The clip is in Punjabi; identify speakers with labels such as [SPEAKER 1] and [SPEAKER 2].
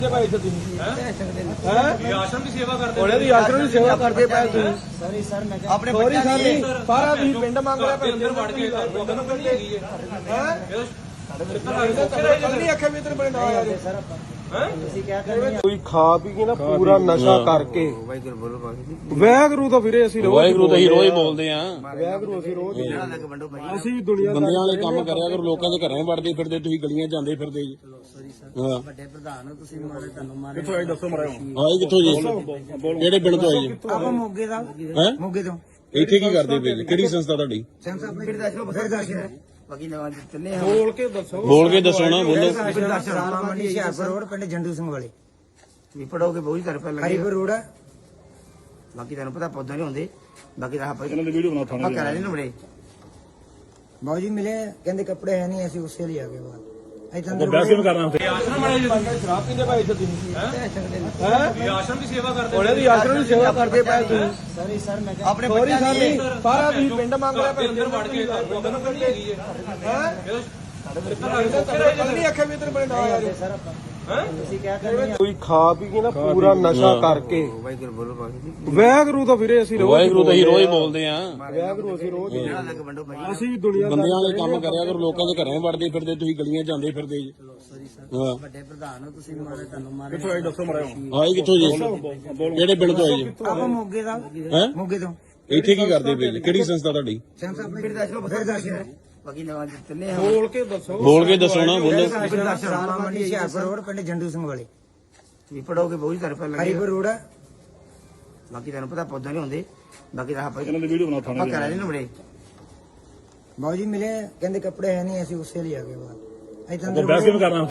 [SPEAKER 1] ਭਾਈ ਇੱਥੇ ਤੁਸੀਂ
[SPEAKER 2] ਆਸ਼ਰਮ ਦੀ ਸੇਵਾ ਕਰਦੇ
[SPEAKER 1] ਉਹਨੇ ਦੀ ਆਸ਼ਰਮ ਦੀ ਸੇਵਾ ਕਰਦੇ ਪਏ ਤੁਸੀਂ
[SPEAKER 3] ਸੌਰੀ ਸਰ ਮੈਂ
[SPEAKER 1] ਆਪਣੇ ਬੱਚਿਆਂ ਦੀ ਸਾਰਾ ਤੁਸੀਂ ਪਿੰਡ ਮੰਗ ਰਿਹਾ
[SPEAKER 2] ਘਰ ਦੇ ਅੰਦਰ ਵੜ ਕੇ ਲੋਕਾਂ ਨੂੰ ਨਹੀਂ ਹੈਗੀ
[SPEAKER 1] ਨਹੀਂ ਅੱਖੇ ਵੀ ਤੇਰੇ ਬੜੇ ਨਾ ਆ
[SPEAKER 3] ਸਰ ਆਪਾਂ ਤੁਸੀਂ ਕਿਆ ਕਰਨੀ
[SPEAKER 1] ਕੋਈ ਖਾ ਪੀ ਕੇ ਨਾ ਪੂਰਾ ਨਸ਼ਾ ਕਰਕੇ
[SPEAKER 3] ਵਾਹਿਗੁਰੂ ਬੋਲੋ ਬਾਕੀ
[SPEAKER 1] ਵੈਗਰੂ ਤਾਂ ਵੀਰੇ ਅਸੀਂ ਰੋਜ਼
[SPEAKER 4] ਵਾਹਿਗੁਰੂ ਤਾਂ ਹੀ ਰੋਜ਼ ਬੋਲਦੇ ਆ
[SPEAKER 1] ਵੈਗਰੂ ਅਸੀਂ ਰੋਜ਼ ਹੀ
[SPEAKER 3] ਜਿਹੜਾ ਲੱਗ ਵੰਡੋ ਭਾਈ
[SPEAKER 1] ਅਸੀਂ ਵੀ ਦੁਨੀਆ
[SPEAKER 4] ਬੰਦਿਆਂ ਵਾਲੇ ਕੰਮ ਕਰਿਆ ਕਰੋ, ਲੋਕਾਂ ਦੇ ਘਰਾਂ ਵੜਦੇ ਫਿਰਦੇ, ਤੁਸੀਂ ਗਲੀਆਂ ਜਾਂਦੇ ਫਿਰਦੇ ਜੀ।
[SPEAKER 3] ਸੌਰੀ ਸਰ
[SPEAKER 4] ਹਾਂ
[SPEAKER 3] ਵੱਡੇ ਪ੍ਰਧਾਨ ਹੋ ਤੁਸੀਂ ਮਾਰੇ ਤੁਹਾਨੂੰ ਮਾਰੇ
[SPEAKER 1] ਕਿੱਥੋਂ ਆਏ ਦੱਸੋ ਮਰਾਓ
[SPEAKER 4] ਆਏ ਕਿੱਥੋਂ ਜੀ? ਕਿਹੜੇ ਪਿੰਡ ਤੋਂ ਆਏ ਜੀ?
[SPEAKER 3] ਆਪਾਂ ਮੋਗੇ ਦਾ
[SPEAKER 4] ਹੈਂ?
[SPEAKER 3] ਮੋਗੇ ਤੋਂ
[SPEAKER 4] ਇੱਥੇ ਕੀ ਕਰਦੇ ਪਏ ਜੀ? ਕਿਹੜੀ ਸੰਸਥਾ ਤੁਹਾਡੀ?
[SPEAKER 3] ਸੈਂਸ ਆਪਣੇ ਫਿਰ ਦੱਸੋ ਬਾਕੀ ਨਵਾਂ ਜਿੱਤਨੇ ਹਾਂ
[SPEAKER 1] ਬੋਲ ਕੇ ਦੱਸੋ
[SPEAKER 4] ਬੋਲ ਕੇ ਦੱਸੋ ਨਾ, ਬੋਲੋ।
[SPEAKER 3] ਰਾਮਾ ਮੰਡੀ ਹਿਆਰਪੁਰ ਰੋਡ ਪਿੰਡ ਜੰਡੂ ਸਿੰਘ ਵਾਲੇ ਵੀ ਪੜੋਗੇ ਬਹੁਤ ਤਰਫ ਲੱਗੇ ਹਰੀਪੁਰ ਰੋਡ ਬਾਕੀ ਤੁਹਾਨੂੰ ਪਤਾ ਪੌਦਾ ਨਹੀਂ ਹੁੰਦੇ ਬਾਕੀ ਤਾਂ ਆਪਾਂ
[SPEAKER 1] ਇਹਨਾਂ ਦੀ ਵੀਡੀਓ ਬਣਾ
[SPEAKER 3] ਆਪਾਂ ਕਰਾ ਲੈਣੇ ਬੜੇ ਬਾਬੂ ਜੀ ਮਿਲੇ ਕਹਿੰਦੇ ਕੱਪੜੇ ਹੈ ਨਹੀਂ ਅਸੀਂ ਉਸੇ ਲਈ ਆ ਗਏ ਬਾਅਦ ਇੱਥੇ ਅੰਦਰ
[SPEAKER 1] ਕਰਨਾ
[SPEAKER 2] ਆਸ਼ਰਮ ਵਾਲੇ
[SPEAKER 1] ਸ਼ਰਾਬ ਪੀਂਦੇ ਭਾਈ ਇੱਥੇ ਤੁਸੀਂ
[SPEAKER 2] ਆਸ਼ਰਮ ਦੀ ਸੇਵਾ ਕਰਦੇ
[SPEAKER 1] ਉਹਨੇ ਦੀ ਆਸ਼ਰਮ ਦੀ ਸੇਵਾ ਕਰਦੇ ਪਏ ਤੁਸੀਂ
[SPEAKER 3] ਸੌਰੀ ਸਰ ਮੈਂ
[SPEAKER 1] ਆਪਣੇ ਬੱਚਿਆਂ ਦੀ ਸਾਰਾ ਤੁਸੀਂ ਪਿੰਡ ਮੰਗ ਰਿਹਾ
[SPEAKER 2] ਘਰ ਦੇ ਅੰਦਰ ਵੜ ਕੇ ਲੋਕਾਂ ਨੂੰ ਨਹੀਂ ਹੈਗੀ
[SPEAKER 1] ਨਹੀਂ ਅੱਖੇ ਵੀ ਤੇਰੇ ਬੜੇ ਨਾ ਆ
[SPEAKER 3] ਸਰ ਆਪਾਂ ਤੁਸੀਂ ਕਿਆ ਕਰਨੀ
[SPEAKER 1] ਕੋਈ ਖਾ ਪੀ ਕੇ ਨਾ ਪੂਰਾ ਨਸ਼ਾ ਕਰਕੇ
[SPEAKER 3] ਵਾਹਿਗੁਰੂ ਬੋਲੋ ਬਾਕੀ
[SPEAKER 1] ਵੈਗਰੂ ਤਾਂ ਵੀਰੇ ਅਸੀਂ ਰੋਜ਼
[SPEAKER 4] ਵਾਹਿਗੁਰੂ ਤਾਂ ਹੀ ਰੋਜ਼ ਬੋਲਦੇ ਆ
[SPEAKER 1] ਵੈਗਰੂ ਅਸੀਂ ਰੋਜ਼ ਹੀ
[SPEAKER 3] ਜਿਹੜਾ ਲੱਗ ਵੰਡੋ ਭਾਈ
[SPEAKER 1] ਅਸੀਂ ਵੀ ਦੁਨੀਆ
[SPEAKER 4] ਬੰਦਿਆਂ ਵਾਲੇ ਕੰਮ ਕਰਿਆ ਕਰੋ, ਲੋਕਾਂ ਦੇ ਘਰਾਂ ਵੜਦੇ ਫਿਰਦੇ, ਤੁਸੀਂ ਗਲੀਆਂ ਜਾਂਦੇ ਫਿਰਦੇ ਜੀ।
[SPEAKER 3] ਸੌਰੀ ਸਰ
[SPEAKER 4] ਹਾਂ
[SPEAKER 3] ਵੱਡੇ ਪ੍ਰਧਾਨ ਹੋ ਤੁਸੀਂ ਮਾਰੇ ਤੁਹਾਨੂੰ ਮਾਰੇ
[SPEAKER 1] ਕਿੱਥੋਂ ਆਏ ਦੱਸੋ ਮਰਾਓ
[SPEAKER 4] ਆਏ ਕਿੱਥੋਂ ਜੀ? ਕਿਹੜੇ ਪਿੰਡ ਤੋਂ ਆਏ ਜੀ?
[SPEAKER 3] ਆਪਾਂ ਮੋਗੇ ਦਾ
[SPEAKER 4] ਹੈਂ?
[SPEAKER 3] ਮੋਗੇ ਤੋਂ
[SPEAKER 4] ਇੱਥੇ ਕੀ ਕਰਦੇ ਪਏ ਜੀ? ਕਿਹੜੀ ਸੰਸਥਾ ਤੁਹਾਡੀ?
[SPEAKER 3] ਸੈਂਸ ਆਪਣੇ ਫਿਰ ਦੱਸੋ ਬਾਕੀ ਨਵਾਂ ਜਿੱਤਨੇ ਹਾਂ
[SPEAKER 1] ਬੋਲ ਕੇ ਦੱਸੋ
[SPEAKER 4] ਬੋਲ ਕੇ ਦੱਸੋ ਨਾ, ਬੋਲੋ।
[SPEAKER 3] ਰਾਮਾ ਮੰਡੀ ਹਿਆਰਪੁਰ ਰੋਡ ਪਿੰਡ ਜੰਡੂ ਸਿੰਘ ਵਾਲੇ ਵੀ ਪੜੋਗੇ ਬਹੁਤ ਤਰਫ ਲੱਗੇ ਹਰੀਪੁਰ ਰੋਡ ਬਾਕੀ ਤੁਹਾਨੂੰ ਪਤਾ ਪੌਦਾ ਨਹੀਂ ਹੁੰਦੇ ਬਾਕੀ ਤਾਂ ਆਪਾਂ
[SPEAKER 1] ਇਹਨਾਂ ਦੀ ਵੀਡੀਓ ਬਣਾ
[SPEAKER 3] ਆਪਾਂ ਕਰਾ ਲੈਣੇ ਬੜੇ ਬਾਬੂ ਜੀ ਮਿਲੇ ਕਹਿੰਦੇ ਕੱਪੜੇ ਹੈ ਨਹੀਂ ਅਸੀਂ ਉਸੇ ਲਈ ਆ ਗਏ ਬਾਅਦ ਇੱਥੇ ਅੰਦਰ
[SPEAKER 1] ਕਰਨਾ